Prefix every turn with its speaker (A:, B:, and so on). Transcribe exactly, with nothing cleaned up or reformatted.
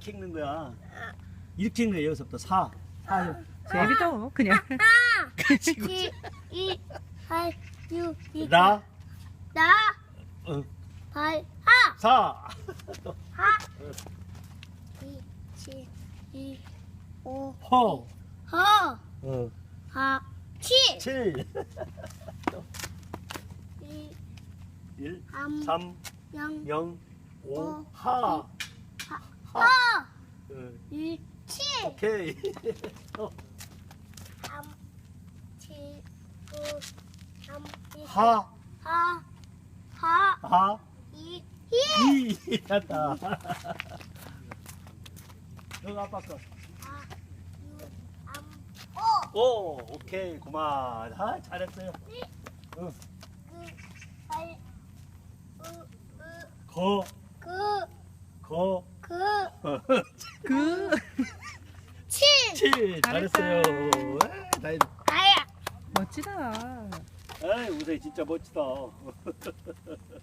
A: 이렇게 읽는 거야. 이렇게 읽는 거야. 여기서부터 사. 사.
B: 제비도 그냥.
C: 칠, 이, 팔, 육, 이,
A: 나.
C: 나,
A: 어.
C: 팔, 하,
A: 사.
C: 하, 이, 칠, 이, 오,
A: 허.
C: 허,
A: 어.
C: 하, 칠,
A: 칠.
C: 이,
A: 일.
C: 삼,
A: 삼.
C: 영,
A: 영. 오.
C: 오,
A: 하.
C: 하,
A: 하.
C: 하,
A: 어.
C: 이, 칠,
A: 오케이. 어.
C: 삼, 칠, 구, 삼, 이,
A: 하.
C: 하, 하,
A: 하.
C: 이, 일,
A: 이. 됐다. 너 아빠 거.
C: 하, 육, 삼, 오,
A: 오. 오케이. 그만. 아, 잘했어요. 어.
C: 구, 팔, 구, 구,
A: 거.
C: 구,
A: 거.
C: 구,
B: 그.
C: 칠,
A: 칠. 잘했어요.
B: 잘했다.
A: 아, 나이.
C: 나야.
B: 멋지다.
A: 아이, 우세 진짜 멋지다.